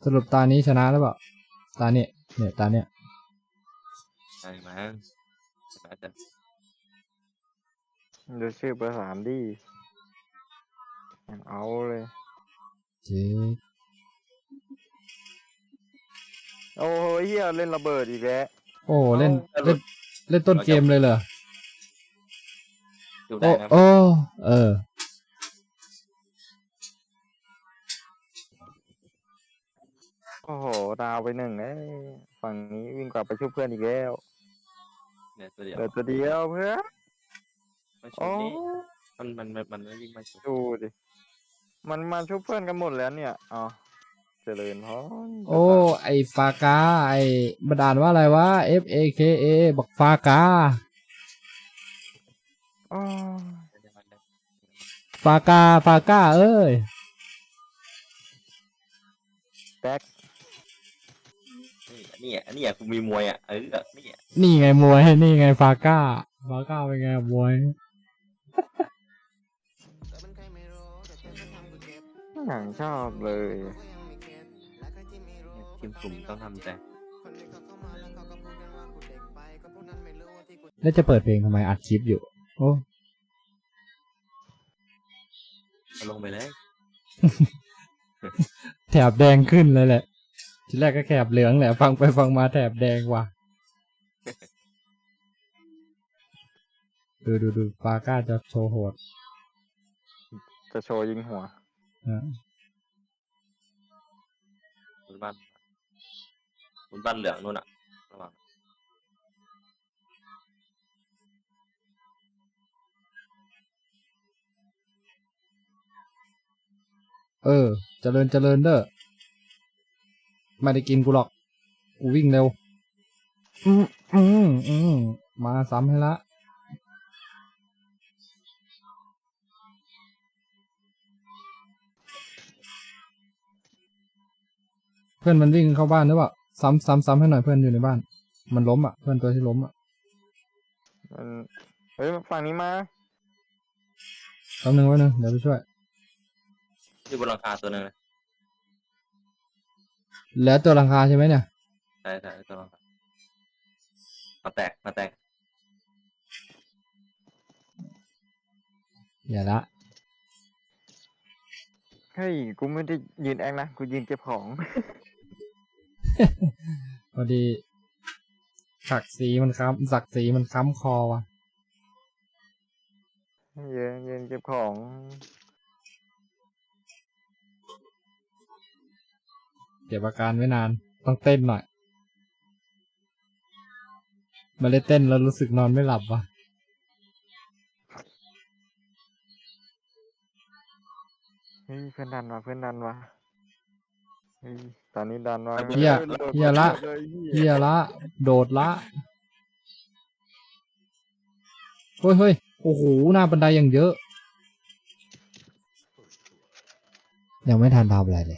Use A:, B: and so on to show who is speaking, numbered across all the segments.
A: สรุปตานี้ชนะหรือเปล่าตาเนี่ยตาเนี่ย
B: ใช่มั้งชนะจะ
C: ดูชื่อเบอร์3ดิเอาเลย
A: เจ๊
C: โอ้ยเฮียเล่นระเบิดอีกแล้ว
A: โอ้เล่นต้นเกมเลยเหรอ
B: ดูได้นะ
A: โอ้
C: โอ้โหดาวไป1ฝั่งนี้วิ่งกลับไปช่วยเพื่อนอีกแล้ว
B: เนี่ยตัวเดียว
C: เหลือตัวเดียวเพื่อน
B: ไม่ชุ
C: โอ้
B: บนี่มันไม่วิ่งมาชุบ
C: ดูดิมันมาช่วยเพื่อนกันหมดแล้วเนี่ยอ๋อเจริญพร
A: โอ้ไอฟากาไอบันดาลว่าอะไรวะ FAKA บอกฟากา
C: อ๋อ
A: ฟากาเอ้ย
C: แบ็ค
B: นี่กูมีมวยอ่ะ
A: นี่ไงมวยนี่ไงฟากาเป็นไงมวย
C: อย่างชอบเลย
B: ทีมกลุ่มต้องทำใจ
A: แล้วจะเปิดเพลงทำไมอัดคลิปอยู่โอ้
B: เอาลงไปเลย
A: แถบแดงขึ้นเลยแหละทีแรกก็แถบเหลืองแหละฟังไปฟังมาแถบแดงว่ะ ดูฟาก้าจะโชว์โหด
C: จะโชว์ยิงหัว
B: บนบ้านเหลืองนู่นอ่ะระวัง
A: เจริญเด้อไม่ได้กินกูหรอกกูวิ่งเร็วมาซ้ำให้ละเพื่อนมันวิ่งเข้าบ้านหรือเปล่าซ้ำให้หน่อยเพื่อนอยู่ในบ้านมันล้มอ่ะเพื่อนตัวที่ล้มอ่ะ
C: เฮ้ยฝั่งนี้มา
A: แป๊บนึงเดี๋ยวไปช่วย
B: ที่บนหลังคาตัวนึงเลย
A: แล้วตัวหลังคาใช่ไหมเนี่ย
B: ใช่ตัวหลังคามาแตก
A: อย่าละ
C: เฮ้ยกูไม่ได้ยืนแอคนะกูยืนเก็บของ
A: พอดีศักดิ์ศรีมันค้ำคอว่ะ
C: ยืนเก็บของ
A: เก็บอาการไว้นานต้องเต้นหน่อยมาเลยเต้นแล้วรู้สึกนอนไม่หลับว่ะ
C: เฮ้ยเพื่อนดันวะเฮ้ยตอนนี้ดันวะ
A: เหี้ยละโดดละเฮ้ยโอ้โหหน้าบันไดอย่างเยอะยังไม่ทันทำอะไรเลย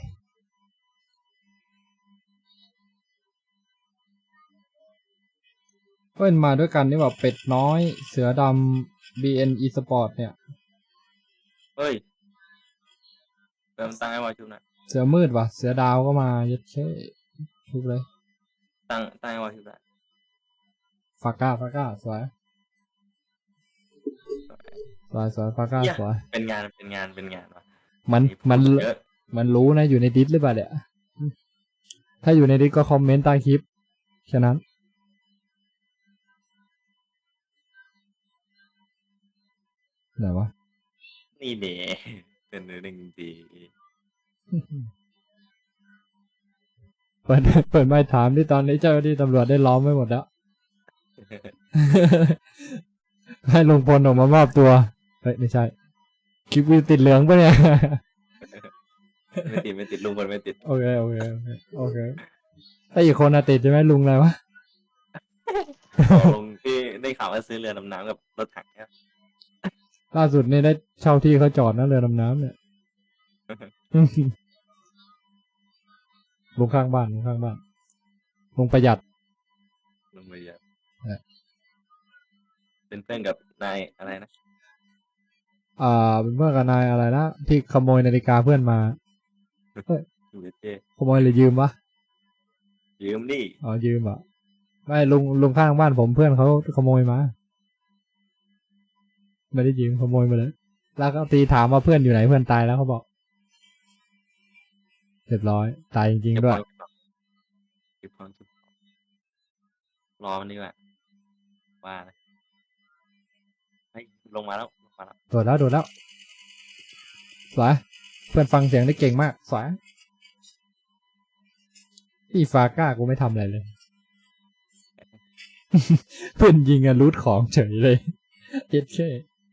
A: เพื่อนมาด้วยกันนี่แบบเป็ดน้อยเสือดำ BN Esport เนี่ย
B: เฮ้ยเริ่มตั้งไอ้วาชุบนะ
A: เสือมืดว่ะเสือดาวก็มาเย็ดเช่ทุกเลย
B: ตั้งไอ้วาชุบนะ
A: ฟาก้าสวยฟาก้าสวย
B: เป็นงานวะ
A: มันรู้นะอยู่ในดิสหรือเปล่าเนี่ยถ้าอยู่ในดิสก็คอมเมนต์ใต้คลิปฉะนั้นไหนวะ
B: นี่เด๋เป็นเรื่องจริง
A: เปิดไม้ถามที่ตอนนี้เจ้าหน้าที่ตำรวจได้ล้อมไว้หมดแล้ว ให้ลุงพลออกมามอบตัวเฮ้ยไม่ใช่คลิปวิวติดเหลืองปะเนี่ย
B: ไม่ติดลุงคนไม่ติด
A: โอเคถ้าอีกคนอะติดใช่ไหมลุงอะไรวะ
B: ลุงที่ได้ข่าวว่าซื้อเรือดำน้ำกับรถถังเนี่ย
A: ล่าสุดนี่ได้เช่าที่เขาจอดนะเรือดำน้ำเนี่ย ลุงข้างบ้านลุงประหยัด
B: ลุงไปเยอะเป็นเพื่อนกับนายอะไรนะ
A: เป็นเพื่อนกับนายอะไรนะที่ขโมยนาฬิกาเพื่อนมา
B: อยู่เจ
A: ขโมยหรือยืมวะ
B: ยืมดิ
A: อ๋อยืมอ่ะไม่ลุงข้างบ้านผมเพื่อนเขาขโมยมาไม่ได้ยืมขโมยมาเลยแล้วก็ตีถามว่าเพื่อนอยู่ไหนเพื่อนตายแล้วเขาบอกเรียบร้อยตายจริง
B: เก็บ
A: ๆด้
B: ข
A: ว
B: อย งเก็บของรอมันดีกว่าว่านะเฮ้ยลงมาแล้วลงมาแล้ว
A: โดดแล้วสวยเพื่อนฟังเสียงได้เก่งมากสวยพี่ฟาก้ากูไม่ทำอะไรเลย เพื่อนยิงอะรูทของเฉยเลยเอ็ดแค่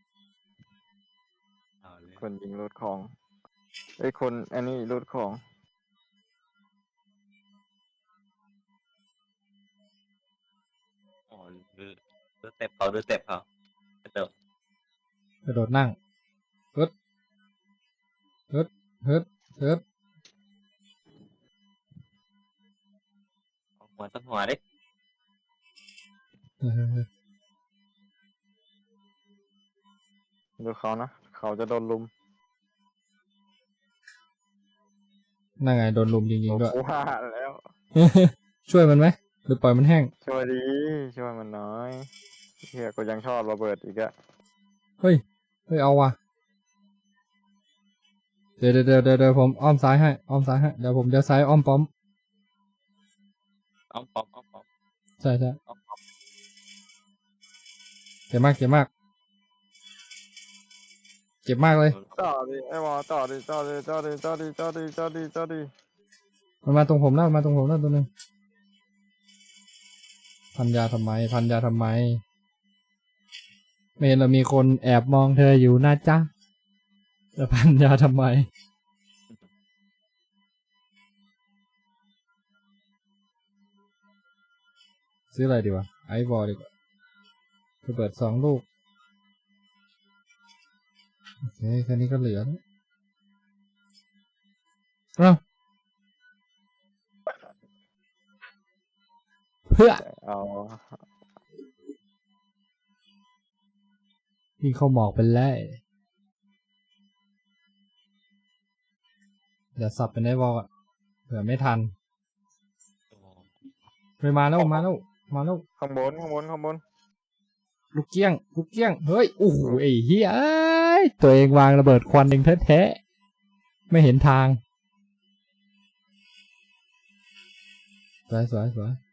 B: เอาเลย
C: คนยิงรูดของไอ้ยคนอันนี้รูดของ
B: อ๋อดูเต็ปเขาเติม
A: กระโดดนั่งฮึดฮึด
B: เอาหัวสักหัวดิ
A: เออ
C: ดูเขานะเขาจะโดนลุม
A: นั่งไงโดนลุมจริงๆด้วย
C: ว่าแล้ว
A: ช่วยมันไหมหรือปล่อยมันแห้ง
C: ช่วยดีช่วยมันน้อยเฮียกูยังชอบระเบิดอีกอะ
A: เฮ้ยเอาว่ะเดี๋ยวผมอ้อมซ้ายให้เดี๋ยวผมจะซ้ายอ้อมป้อม
B: อ้อมปอม
A: ใช่
B: อ้อมปอม
A: เจ็บมากเลย
C: ต่อดิไอ้วอต่อดิ
A: มันมาตรงผมแล้วตัวนึงพันยาทำไมไม่เห็นเรามีคนแอบมองเธออยู่นะจ๊ะจะพันยาทำไมซื้ออะไรดีวะไอวอลดีกว่าระเบิด2 ลูกโอเคแค่นี้ก็เหลือแล้วเอ้าเพื่อ
C: เอา
A: ยิงเข้าหมอกไปเลยเดี๋ยวสับเป็นไอวอลอ่ะเผื่อไม่ทันไปมาแล้ว
C: ข้างบน
A: ลูกเกี้ยงเฮ้ยโอ้โหไอ้เหี้ยเอ้ยตัวเองวางระเบิดควันเองแท้ๆไม่เห็นทางสวย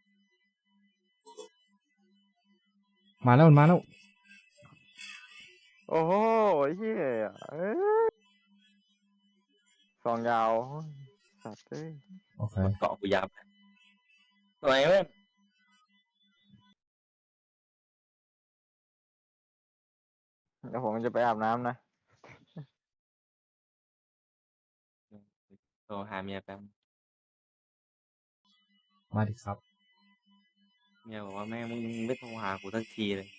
A: มาแล้ว
C: โอ้โหเฮียเอ้ยซองยาวสัตว์เอ้ย
A: โอเค
B: เกาะกูยับทำไมเว้ย
C: เดี๋ยวผมจะไปอาบน้ำนะ
B: โทรหาเมียแป๊บ
A: มาดิครับ
B: เมียบอกว่าแม่มึงไม่โทรหากูสักทีเลย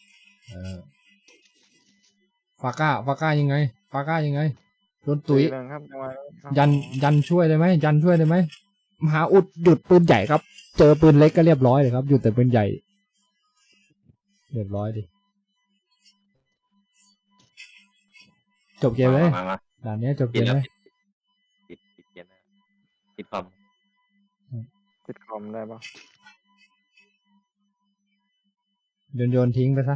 A: ฟาก้ายังไงโดนตุ๋ย
C: หนึ่งครับจังหวะ
A: ยันช่วยได้ไหมมหาอุดหยุดปืนใหญ่ครับ เจอปืนเล็กก็เรียบร้อยเลยครับหยุดแต่ปืนใหญ่เรียบร้อยดิจบเกมเลย
B: มา
A: ด่านนี้จบเก
B: ปิด
A: ม
B: แล้ว
A: เลย
B: ปิดเกมแล้วปิดคอม
C: ติดคอมได้ปะ
A: โยนทิ้งไปซะ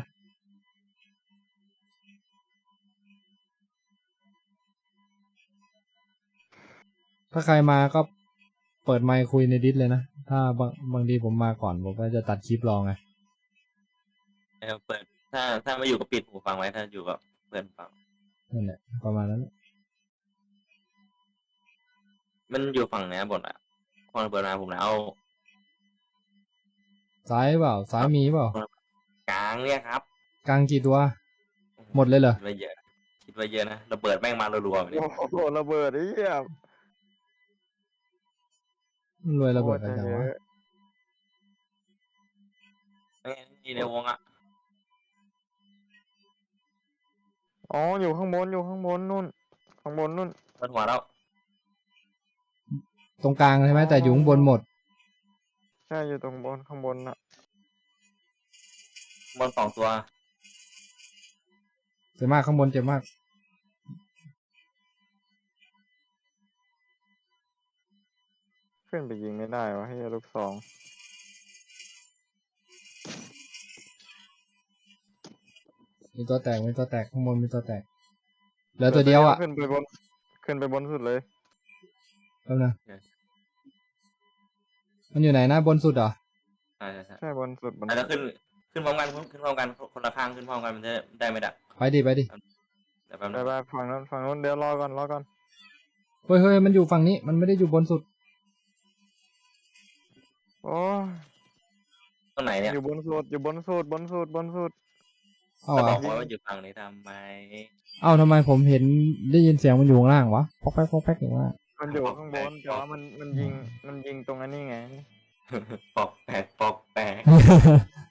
A: ถ้าใครมาก็เปิดไมค์คุยในดิสเลยนะถ้าบางทีผมมาก่อนผมก็จะตัดคลิปรองไง
B: เปิดถ้าไม่อยู่ก็ปิดหูฟังไว้ถ้าอยู่กับเพื่อนฟัง
A: นั่นแหละประมาณนั้น
B: มันอยู่ฝั่งไหนบนอ่ะคนเปิดมาผมแล้ว
A: ซ้ายเปล่าซ้ายมีเปล่าก
B: ลางเนี่ยครับ
A: กลางกี่ตัวหมดเลยเหรอ
B: คิดว่าเยอะนะระเบิดแม่งมารัวๆแบบนี้
C: โอ้โหระเบิดไอ้เหี้ย
A: รวยระเบิดอะไร
C: โคต
A: กัน
C: เยว
A: ะ
B: นี่ในวงอ่ะ
C: อ๋ออยู่ข้างบนนู่นข้างบนนู่น
B: เปิดหัวแล้ว
A: ตรงกลางใช่ไหมแต่อยู่ข้างบนหมด
C: ใช่อยู่ตรงบนข้างบนน่ะ
B: บน2 ตัว
A: เจ็บมากข้างบนเจ็บมาก
C: ขึ้นไปยิงไม่ได้วะเฮียลูกซอง
A: มีตัวแตกมีตัวแตกข้างบนมีตัวแตกเหลือตัวเดียวอ่ะ
C: ขึ้นไปบนสุดเลย
A: แป๊บนึงมันอยู่ไหนนะบนสุดเหรอ
B: ใช่
C: ใช่บนสุด
B: แล้วขึ้นพร้อมกันคนละข้างขึ้นพร้อมกันมันจะได้ไม่ดัก
A: ไปดิไปดิ
B: เดี๋ยวแป๊บ
C: ไป
B: นึง
C: ไปฝั่งนู้นเดี๋ยวรอก่อน
A: เฮ้ยเฮ้ยมันอยู่ฝั่งนี้มันไม่ได้อยู่บนสุด
C: โอ้ย
B: ตรงไหนเนี่ย
C: อยู่บนสุด
A: เอ้า
B: ก็บอ
A: อ่ะ
B: กว่าอยู่ฝั่งนี้ทำไม
A: เอ้าทำไมผมเห็นได้ยินเสียงมันอยู่ข้างล่างวะปอกแป๊กปอกแป๊กอย่างว่า
C: มันอยู่ข้างบนแต่ว่ามันยิงตรงอันนี้ไง
B: ปอกแปลก